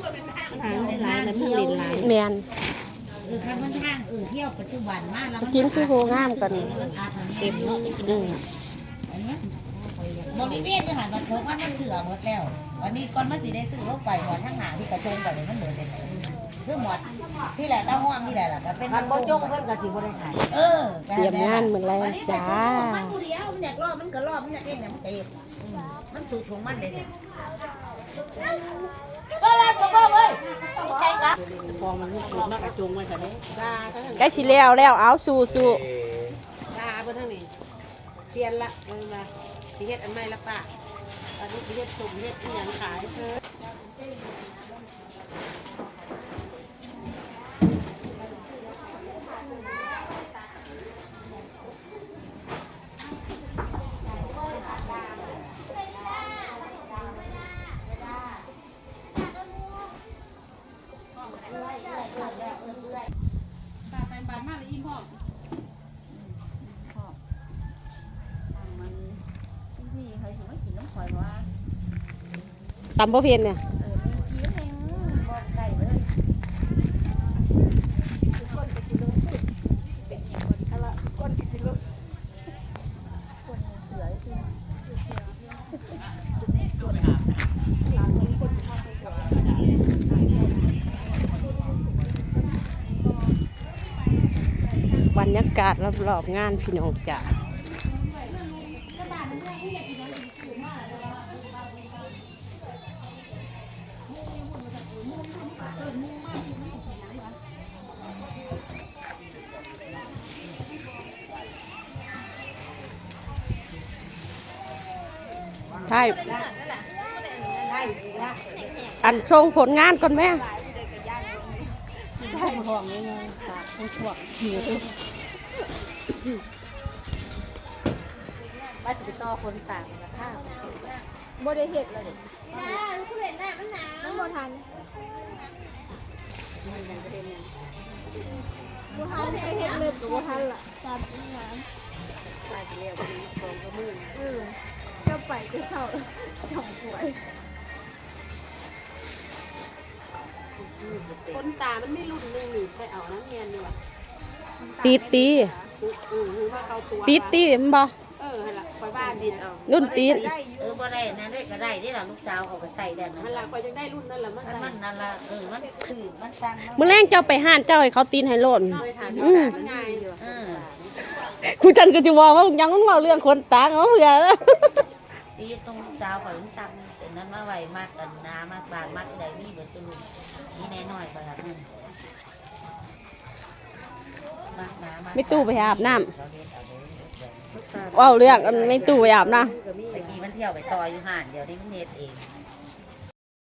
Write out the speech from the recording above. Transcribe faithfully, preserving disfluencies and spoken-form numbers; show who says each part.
Speaker 1: ทางหลายแล้วมันเล่นหลายแมน
Speaker 2: เออคันมันทางเออเที่ยวปัจจุบันมากแล้ว
Speaker 1: กินคือโหงามกัน
Speaker 2: เต็มเนาะอืมอันนี้บริเวณที่หันมาพบว่ามันเสือหมดแล้ววันนี้ก่อนมันสิได้ซื้อเข้าไปหมดทั้งหนาที่กระจงไปเลยมันเหลือแต่คือหมดที่แหละเต้าห้องที่แหละล่ะก็เป็นมันโบจงเพิ่มกับสิบริขายเออ
Speaker 1: เตรียมงานเหมือนไรจ้า
Speaker 2: มันผู้เดียวมันอยากรอบมันก็รอบมันอยากเองเนี่ยมันเต็มมันสูตรของมันเลยก็แล้วก็บอกเลยใช่ครับ
Speaker 3: ฟองมันสูงมากกระจุงไว้ค่ะเนี่ย
Speaker 1: ใกล้ชิแล้วแล้วเอาสู้สู้
Speaker 3: ป้าเพื่อนทั้งนี้เปลี่ยนละเออมาสีเฮ็ดอันใหม่ละป้าตอนนี้สีเฮ็ดสุ่มเฮ็ดที่ยังขายเธอ
Speaker 4: ไปบานมากเลยอิ่มพ่อมันพี่ใครถึงไม่กินน้ำข่อยว่า
Speaker 1: ตำบ่เพียนเนี่ย
Speaker 4: เออมีเพี้ยนแห้งบอกไก่เลยคนไปกินลูกเป็นอย่างคนอะไรคนไปกินลูกคนเสือสิ
Speaker 1: บรรยากาศรอบๆงานพี่น้องจ๋าใช่อันชงผลงานก่อนแม่
Speaker 3: ใช่ห่วงเลยไงตาห่วงหิวบ้านจะไปต่อคนต่างนะข้าวโบได้เห็ดเลย
Speaker 4: จ้าลูกเห็นหน้ามันหนาว
Speaker 3: น้ำโบทันมันยังประเด็นยังโบทันไปเห็ดเล็บกับโบทันล่ะตามที่ร้านไปเรียกวันนี้สองกระมือเออเจ้าไปก็เข้าช่องสวยคนตามันไม่รุ่นนึงหนีไปเอาน้ำเงียนดีกว่า
Speaker 1: ตีตีตีตีมันบ่
Speaker 3: เออให้ละคอยบ้านดินเอา
Speaker 1: รุ่นตี
Speaker 2: เออบ่ได้นั่นได้ก็ได้นี่ล่ะลูกสาวเขาก็ใส่ได้นั่น
Speaker 3: นั่นละคอยยังได้รุ่นนั่นละมัน
Speaker 2: มันนั่นละเออมันคือมันสั่ง
Speaker 1: มื้อแรงเจ้าไปห้านเจ้าให้เขาตีนให้โลด
Speaker 3: อืมมันง่ายอยู่
Speaker 2: เออ
Speaker 1: คุณจันก็สิว่าว่ายังมันเว้าเรื่องคนตางเอาเผื่อ
Speaker 2: ตีตรงลูกสาวเขาสั่งแต่นั้นมาไว้มากกันน้ามากบานมากใดมีเบิดจุลุนี่แน่น้อยก็แบบนั้น
Speaker 1: ไม่ตู้ไปอาบน้ำว้าวเรื่องไม่ตู้ไปอาบน้ำ
Speaker 2: ตะกี้มันเที่ยวไปต่ออยู่ห่านเดี๋ยวนี้มันเน็ตเอง